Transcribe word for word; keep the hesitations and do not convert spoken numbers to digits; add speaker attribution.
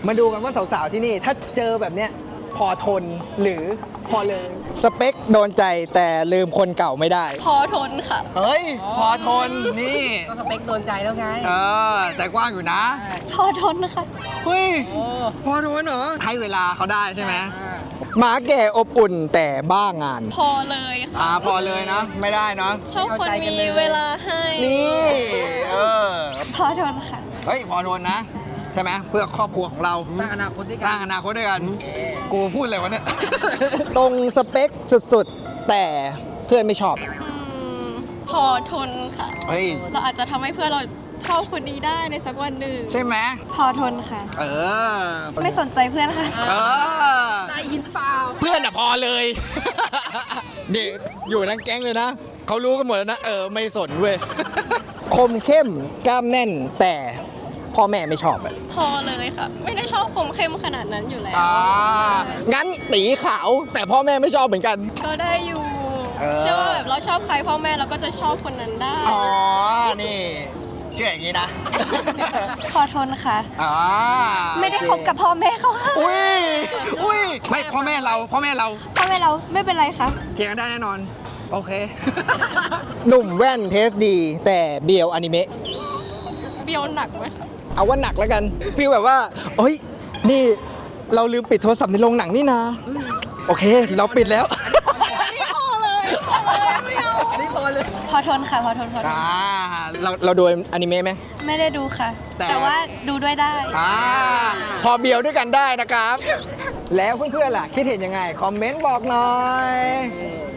Speaker 1: มาดูกันว่าสาวๆที่นี่ถ้าเจอแบบเนี้ยพอทนหรือพอเลยสเปคโดนใจแต่ลืมคนเก่าไม่ได้
Speaker 2: พอทนค่ะ
Speaker 1: เฮ้ยพอทนนี่
Speaker 3: ก็สเปคโดนใจแล้วไง
Speaker 1: เออใจกว้างอยู่นะ
Speaker 2: พอทนค่ะ
Speaker 1: เฮ้ย
Speaker 3: โอ้
Speaker 1: พอทนเหรอให้เวลาเขาได้ใช่ไหมหมาแก่อบอุ่นแต่บ้างาน
Speaker 2: พอเลยค่ะ
Speaker 1: อ่าพอเลยนะไม่ได้เนาะ
Speaker 2: ชอบคนมีเวลาให้
Speaker 1: นี่เออ
Speaker 2: พอทนค่ะ
Speaker 1: เฮ้ยพอทนนะใช่ไหมเพื่อครอบครัวของเรา
Speaker 3: สร้างอนาคตด้วย
Speaker 1: ส
Speaker 3: กั
Speaker 1: ร้าน งอนาคตด้วยกัน กูพูดอะไรวะเนี่ย ตรงสเปคสุดๆ แต่เพื่อนไม่ชอบ
Speaker 2: อืม พอทนค่ะ
Speaker 1: เฮ้ย
Speaker 2: เราอาจจะทำให้เพื่อนเราชอบคนนี้ได้ในสักวันหนึ่ง
Speaker 1: ใช่ไหม
Speaker 2: พอทนค่ะ
Speaker 1: เออ
Speaker 2: ไม่สนใจเพื่อนค่ะ
Speaker 1: เออ
Speaker 3: ได้ยินเปล่า
Speaker 1: เพื่อนอะพอเลย นี่อยู่ทั้งแก๊งเลยนะ เขารู้กันหมดแล้วนะ เออ ไม่สนเว้ย คมเข้มกล้ามแน่นแต่พ่อแม่ไม่ชอบอะ
Speaker 2: พอเลยค่ะ ไม่ได้ชอบคมเข้มขนาดนั้นอยู่แล้ว
Speaker 1: อ่างั้นตีขาวแต่พ่อแม่ไม่ชอบเหมือนกัน
Speaker 2: ก็ได้อยู่
Speaker 1: เออ
Speaker 2: เชื่อว่าแบบเราชอบใครพ่อแม่เราก็จะชอบคนนั้นได้
Speaker 1: อ๋อ นี่เชื่ออย่างนี้นะ
Speaker 2: พอทนค่ะ
Speaker 1: อ่า
Speaker 2: ไม่ได้คบกับพ่อแม่เขาค่ะ
Speaker 1: อุ้ย อุ้ย ไม่พ่อแม่เรา พ่อแม่เรา
Speaker 2: พ่อแม่เราไม่เป็นไรค่ะ
Speaker 1: เกียงกันได้แน่นอน โอเค หนุ่มแว่นเทสดี แต่เบียวอนิเมะ
Speaker 2: เบียวหนักไหมคะ
Speaker 1: เอาว่าหนักแล้วกันฟีลแบบว่าเฮ้ย นี่เราลืมปิดโทรศัพท์ในโรงหนังนี่นะ โอเค เราปิดแล้ว
Speaker 2: พอเลยพอเลยไม่เอา
Speaker 3: อันนี้พอเลย
Speaker 2: พอทนค่ะ พอทนพอทน
Speaker 1: อ่า เราเราดูอนิเมะไหม
Speaker 2: ไม่ได้ดูค่ะ
Speaker 1: แต่
Speaker 2: แต่ว่าดูด้วยได้
Speaker 1: อ่า พอเบียวด้วยกันได้นะครับ แล้วเพื่อนๆล่ะ คิดเห็นยังไง คอมเมนต์บอกหน่อย